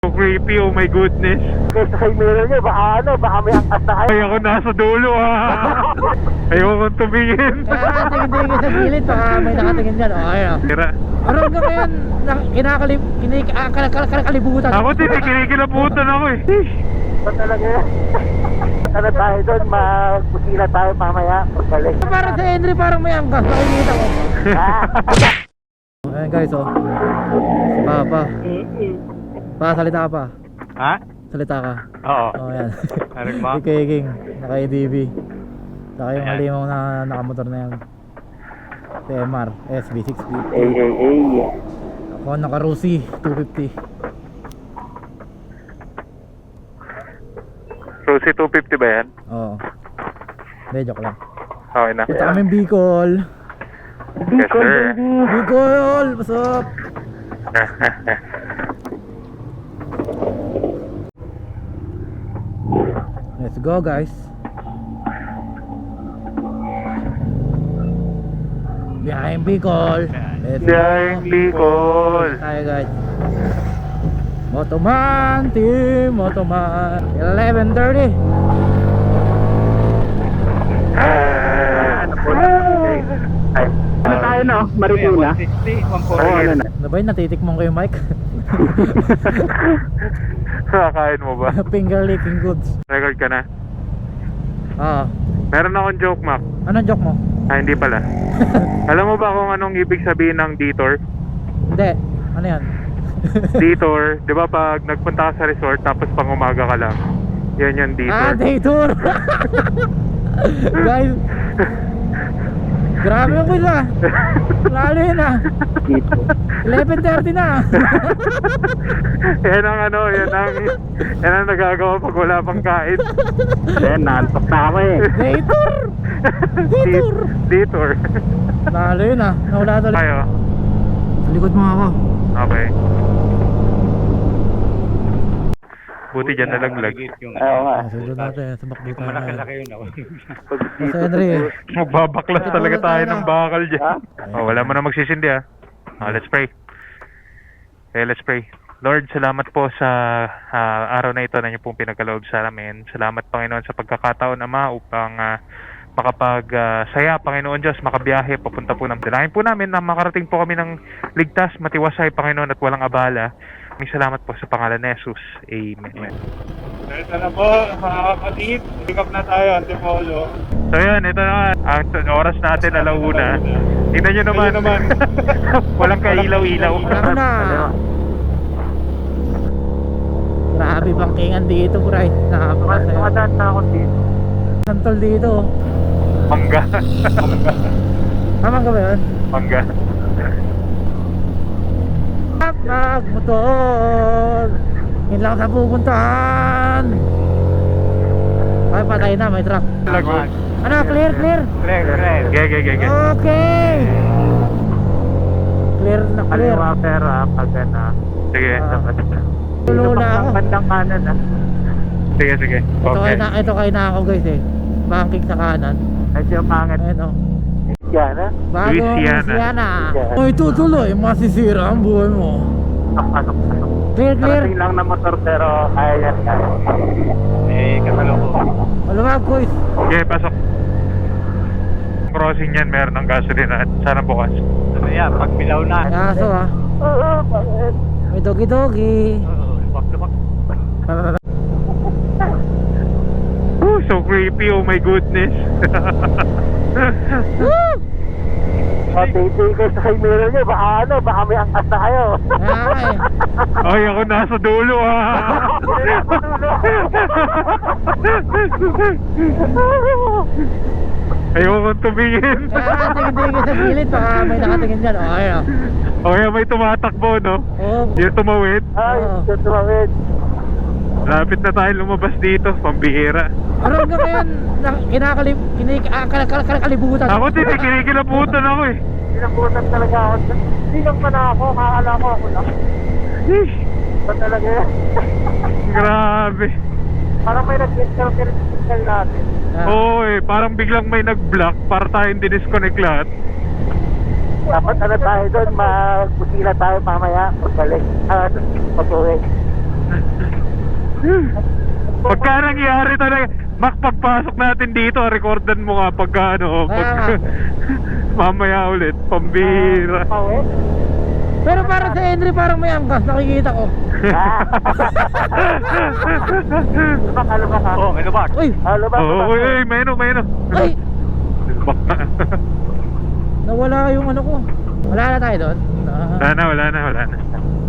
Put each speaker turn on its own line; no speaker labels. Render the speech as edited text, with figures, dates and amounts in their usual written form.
So creepy, oh my goodness.
Kasi kay mirror niya, baka may angkas na kayo.
Ay, ako nasa dulo ayokong tumingin.
Kaya tingin-tingin sa gilid, baka may nakatingin dyan. O, ayun o.
Tira.
Pero hanggang ngayon, kinakalibutan.
Ako din, kinikilabutan ako eh.
Ba talaga yan? Ano tayo doon, magpusila tayo mamaya. Paggaling.
Parang sa Henry, parang may angkas. Nakikita ko. Ayan guys, oh. Si Papa. Pa, salita ka pa.
Ha?
Salita ka.
Oo.
Oh, ayan.
Aring mo?
Si King, naka-ADV. Saka yung
Ayan.
halimaw na nakamotor na yan. Si MR, SB650. Ako naka-Rusi, 250.
Rusi 250 ba yan?
Oo. Hindi, joke lang.
Okay na.
Punta kami Bicol.
Yes sir.
Bicol! What's up? Let's go guys. Behind Bicol. Let's
Behind Bicol.
Tayo guys. Motoman team, Motoman. 11:30.
Ano tayo no? Marikina?
160, 140.
Ano na?
Ano ba yun? Natitikmong ko yung mic?
Kakain mo ba?
Finger licking goods.
Record ka na?
Ah,
Meron akong joke, Mac.
anong joke mo?
Hindi pala. Alam mo ba kung anong ibig sabihin ng detour?
Hindi. Ano yan?
Detour, di ba pag nagpunta ka sa resort tapos pang umaga ka lang? Yan yung
Ah,
detour.
day tour! Guys, grabe yung quiz ah. Lalo yun ah. 11:30 na.
Yan ang ano, yan ang nagagawa pag wala pang kain.
Yan, naantok na ako eh.
Day tour! Day tour!
Detour.
Lalo yun ah. Nawala tuloy.
Tayo.
Sa likod mo ako.
Okay. Buti dyan nalaglag.
Oo nga.
Ah, sunod natin. Sumakbo tayo.
Malaki-laki yun ako.
Kasi Henry.
Magbabaklas talaga tayo ng bakal dyan.
Ha?
Oh, wala mo na magsisindi ah. Let's pray. Okay, let's pray. Lord, salamat po sa araw na ito na niyo pong pinagkaloob sa amin. Salamat Panginoon sa pagkakataon Ama upang saya Panginoon Diyos, makabiyahe papunta po ng dalangin po namin na makarating po kami ng ligtas, matiwasay Panginoon at walang abala. Maraming salamat po sa pangalan ni Jesus. Amen.
Ito na po, mga kapatid. Pick up na tayo, Antipolo.
So yan, ito na ang oras natin, alauna. Tingnan nyo naman. Walang kailaw-ilaw.
Alam mo na. Grabe bangkingan dito, bro. Napakasaya.
Tumadaan na ako dito.
Santol dito.
Mangga.
Tama ka ba yun?
Mangga.
Motor. Yun lang sa pupuntahan. Ay, patay na, may truck.
Lagot.
Ano, clear, clear?
Ge.
Okay. Clear na clear.
Kaliwa pera, pag na.
Sige.
Tulo na ako.
Bandang kanan ah.
Sige. Okay.
Ito kayo na ako guys eh. Banking sa kanan.
Medyo pangit.
Ayun o.
Yan ah.
Bago
Louisiana.
Louisiana.
Yeah.
Oy, tutuloy. Masisira ang buhay mo.
Pasok.
Clear, clear.
Karating lang na motor pero kaya yan kaya.
Kasalo ko.
Maluwag guys.
Okay, pasok. Crossing yan, meron ng gasolina at sana bukas.
Ano yan, pagbilaw na.
Kaso ah.
Oo, bakit?
May dogi-dogi.
Lupak.
So creepy, oh my goodness.
Matindi ko sa kay mirror niya, baka may angkas na kayo.
Kaya eh.
Ay, ako nasa dulo ayokong tumingin.
Kaya tingin-tingin sa gilid, baka may nakatingin dyan. O, ayun o.
O kaya may tumatakbo, no?
Oh,
Yung tumawid.
Ay, tutuwid.
Lapit na tayo lumabas dito, pambihira.
pero hanggang ngayon, kinakalibutan.
Ako din, kinikilabutan ako eh.
Pinabutan talaga ako. Hindi lang pa na ako, kakala ko ako lang. Ba talaga yan?
Grabe.
Parang may nag-signal natin.
Oo eh, parang biglang may nag-block para tayong dinisconnect lahat.
Dapat ano tayo doon, magpusila tayo mamaya. Paggaling. Pag-uwi.
Pagka nangyari talaga, Mac, pagpasok natin dito, recordan mo nga pagka ano,
Kaya nga.
mamaya ulit, pambira.
Pauwi.
Pero parang sa Henry parang may angkas, nakikita ko.
Lubak ha.
Oh, may lubak.
Uy!
Lubak.
Oo, uy, meno.
Ay!
Bak na.
Nawala yung ano ko. Wala na tayo doon.
Wala na.